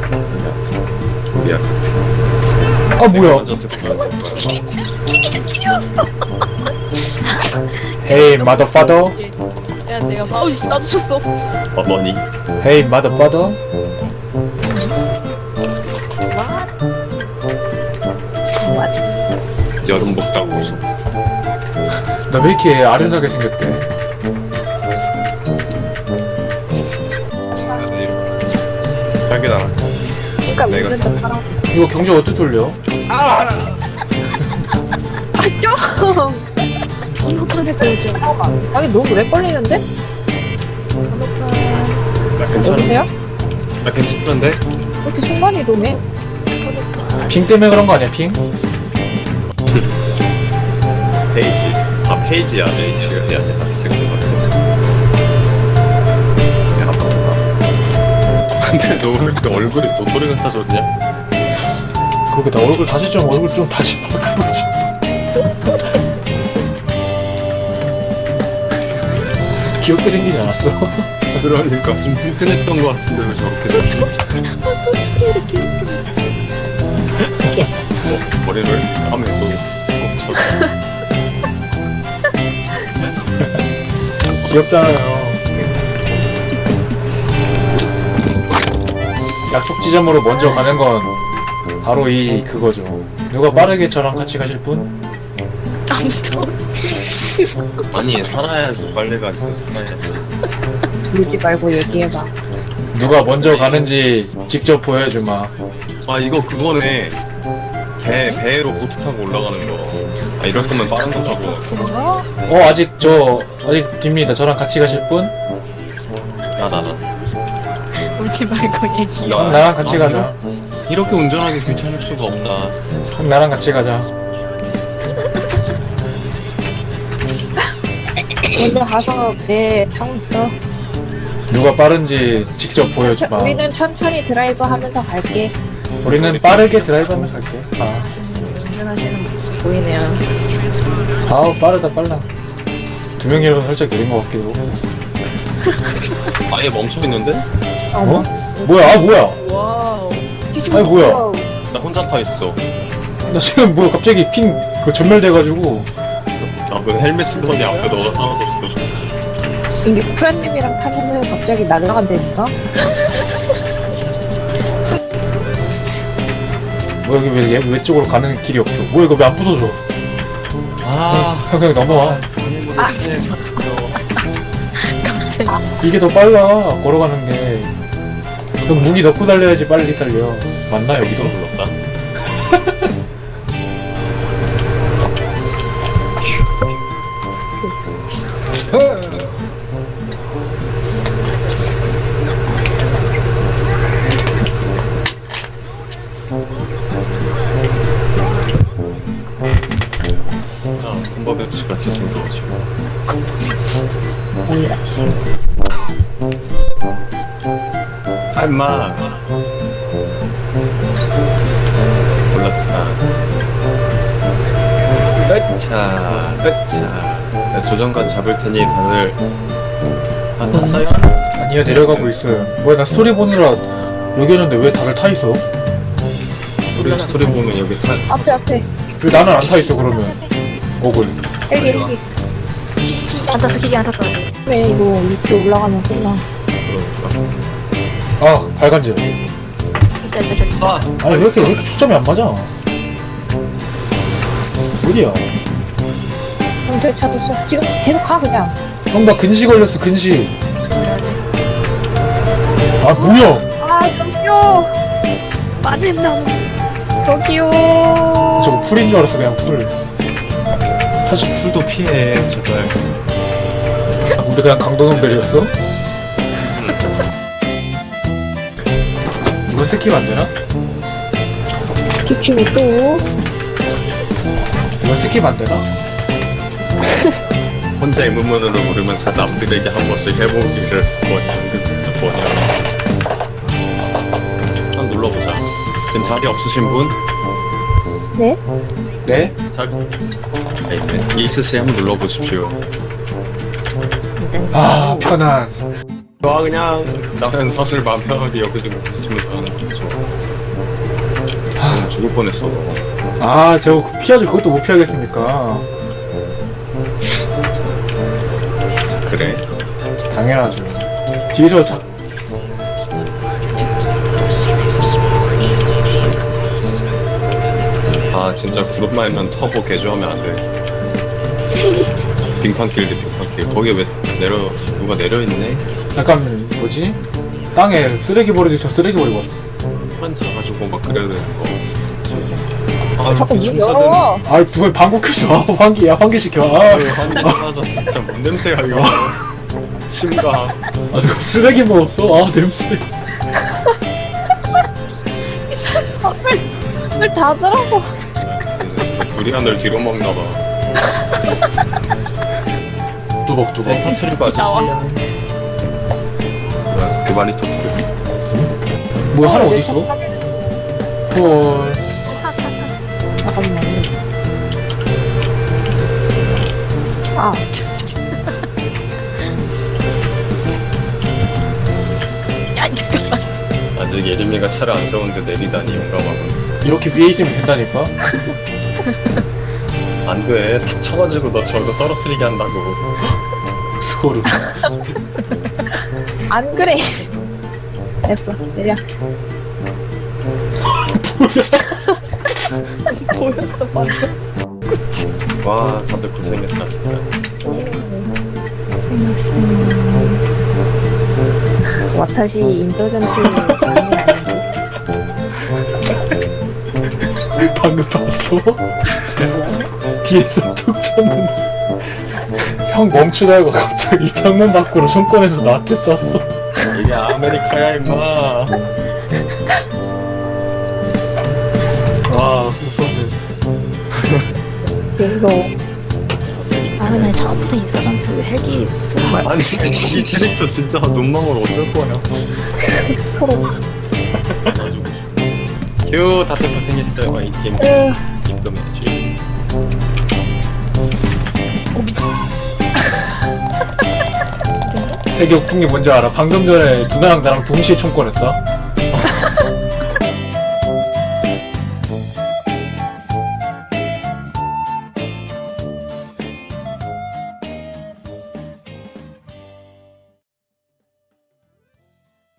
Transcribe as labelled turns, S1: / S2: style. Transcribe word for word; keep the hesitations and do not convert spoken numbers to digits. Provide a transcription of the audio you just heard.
S1: 미안.
S2: 아 뭐야?
S3: 치웠어.
S2: Hey motherfucker.
S3: 야 내가 마우스 나도 쳤어.
S1: 어머니.
S2: Hey motherfucker.
S1: 여름 먹다고 웃어.
S2: 나 왜 이렇게 아련하게 생겼대?
S1: 딸기 나라.
S3: 그러니까
S1: 내가-
S3: 우리는 사람.
S2: 이거 경제 어떻게 돌려?
S3: 아 좀. 번호판에 보여줘.
S4: 아니 너무 오래 걸리는데?
S3: 번호판.
S1: 나 괜찮아.
S4: 여보세요?
S1: 나 괜찮은데?
S4: 왜 이렇게 순간 이동해?
S3: 번호판.
S2: 핑 때문에 그런 거 아니야 핑?
S1: 페이지. 아 페이지야. 페이지가 해야지. 지금 봤어. 야 아빠. 근데 너 왜 이렇게 얼굴이 도토리 같아졌냐?
S2: 그렇게 나 얼굴 다시 좀 얼굴 좀 다시 바꾸고 싶어. 귀엽게 생기지 않았어?
S1: 그러니까 좀 튼튼했던 것 같은데 왜 저렇게 됐지?
S3: 아 도토리 이렇게 이렇게.
S1: 어, 머리를 하면 또 어, 저
S2: 귀엽잖아요. 약속 지점으로 먼저 가는 건 바로 이 그거죠. 누가 빠르게 저랑 같이 가실 분?
S3: 아무도.
S1: 아니 살아야지 빨리 가지 살아야지.
S4: 울지 말고 얘기해봐.
S2: 누가 먼저 가는지 직접 보여주마.
S1: 아 이거 그거네. 배 배로 보트 타고 올라가는 거. 아 이럴 거면 빠른 거 타고.
S3: 뭔가?
S2: 어 아직 저 아직 깁니다. 저랑 같이 가실 분?
S1: 나 나 나.
S3: 울지 말고 얘기.
S2: 형 나랑 같이 가자.
S1: 이렇게 운전하기 귀찮을 수가 없다.
S2: 형 나랑 같이 가자.
S4: 먼저 가서 배 타고 있어.
S2: 누가 빠른지 직접 보여주마.
S4: 우리는 천천히 드라이브 하면서 갈게.
S2: 우리는 빠르게 드라이브하면서 갈게. 아,
S3: 운전하시는 모습 보이네요.
S2: 아우 빠르다 빨라. 두 명이라서 살짝 느린 것 같기도.
S1: 아예 멈춰 있는데?
S2: 어? 뭐야? 아 뭐야?
S3: 와우.
S2: 아니 뭐야?
S1: 나 혼자 타 있어.
S2: 나 지금 뭐야 갑자기 핑 그 전멸돼가지고.
S1: 나그 헬멧 쓰더니 앞에 너가 사라졌어.
S4: 이게 프렌님이랑 타면은 갑자기 날아간다니까?
S2: 뭐 여기 왜, 왜 왼쪽으로 가는 길이 없어? 뭐 이거 왜 안 부서져?
S1: 아.
S2: 형 그냥 넘어와.
S3: 갑자기.
S2: 이게 더 빨라 걸어가는 게. 형 무기 넣고 달려야지 빨리 달려. 맞나 여기서?
S1: 여기서 불렀다. 아, 군밥배치 같이 생겨가지고.
S4: 아니라지.
S1: 아, 임마. 올랐다. 끝차, 끝차. 야, 조정관 잡을 테니 다들 안 탔어요?
S2: 아니요 내려가고 있어요. 뭐야 나 스토리 보느라 여기였는데 왜 다들 타 있어?
S1: 우리 스토리 보면 여기 타.
S4: 앞에 앞에.
S2: 왜 나는 안 타 있어 그러면? 억울.
S4: 헬기 헬기.
S3: 안 탔어 기계 안 탔어 아직.
S4: 왜 이거 이렇게 올라가면 끝나.
S1: 그러니까.
S2: 아 발간질.
S3: 이따 이따 저기.
S1: 아,
S2: 아니 왜 이렇게 왜 이렇게 초점이 안 맞아? 어디야?
S4: 경찰 차도 써. 지금 계속 가 그냥.
S2: 형 나 근시 걸렸어 근시. 아 뭐야?
S4: 아 저기요.
S3: 빠진다.
S4: 저기요.
S2: 저거 풀인 줄 알았어 그냥 풀.
S1: 사실 풀도 피해, 제발.
S2: 아, 우리 그냥 강도놈벨이었어? 이건 스킵 안 되나?
S4: 기춤이 또.
S2: 이건 스킵 안 되나?
S1: 혼자의 문문으로 부르면서 남들에게 한 번씩 해보기를 뭐냐, 이거 진짜 뭐냐. 한번 눌러보자. 지금 자리 없으신 분?
S4: 네?
S2: 네?
S1: 잘. 네, 네. 있으세요? 한번 눌러보십시오.
S2: 아 편안.
S1: 와 그냥 나는 사실 마음 편하게 여기서 부딪히면서 하는 거죠. 넌 죽을 뻔했어 너.
S2: 아 저거 피하죠. 그것도 못 피하겠습니까?
S1: 그래?
S2: 당연하죠. 뒤에서 자,
S1: 아 진짜 그룹만 터보 개조하면 안 돼. 빙판길 대 빙판길. 거기에 왜 내려 누가 내려 있네?
S2: 약간 뭐지? 땅에 쓰레기 버리듯이 저 쓰레기 버리고 왔어.
S1: 한 차가지고 막 그래야 되는 거. 아
S4: 자꾸
S1: 이렇게
S4: 문
S1: 춤사든.
S4: 열어.
S2: 아 누가 방구 켜줘. 아, 환기, 야 환기 시켜. 아,
S1: 아유 환기 사라져 진짜 뭔 냄새야 이거. 심가.
S2: 아 누가 쓰레기 먹었어? 아 냄새.
S4: 물 닫으라고.
S1: 두리안을 뒤로 먹나 봐.
S2: 뚜벅뚜벅.
S1: 네, 터트리고 아저씨.
S3: 나와.
S1: 뭐야 그 많이 터트려.
S2: 뭐야 하나 어디 있어? 헐.
S4: 잠깐만. 아,
S3: 야 잠깐만.
S1: 아직 예림이가 차를 안 세우는데 내리다니 용감하군.
S2: 이렇게 위에 있으면 된다니까?
S1: 안 돼. 탁 쳐가지고 너 저거 떨어뜨리게 한다고.
S2: 소름.
S4: 안 그래. 됐어, 내려. 보였어, 방금.
S1: 와 다들 고생했다 진짜.
S4: 와타시 인터전트 장이 아닌지.
S2: 방금 봤어? 뒤에서 툭 쳤는데 형 멈추다가 갑자기 창문 밖으로 손 꺼내서 나한테 쐈어.
S1: 이게 아메리카야 임마.
S2: 와 무섭네.
S4: 이거
S3: 아 근데 처음부터 인서전트 헬기 쏘는 거야.
S1: 아니 이 캐릭터 진짜 눈망울 어쩔 거야.
S4: 서로.
S1: 휴 다들 고생했어요. 와이팀
S4: 으,
S1: 입금해야지.
S3: 오 미친.
S2: 되게 웃긴 게 뭔지 알아? 방금 전에 누나랑 나랑 동시에 총 꺼냈다.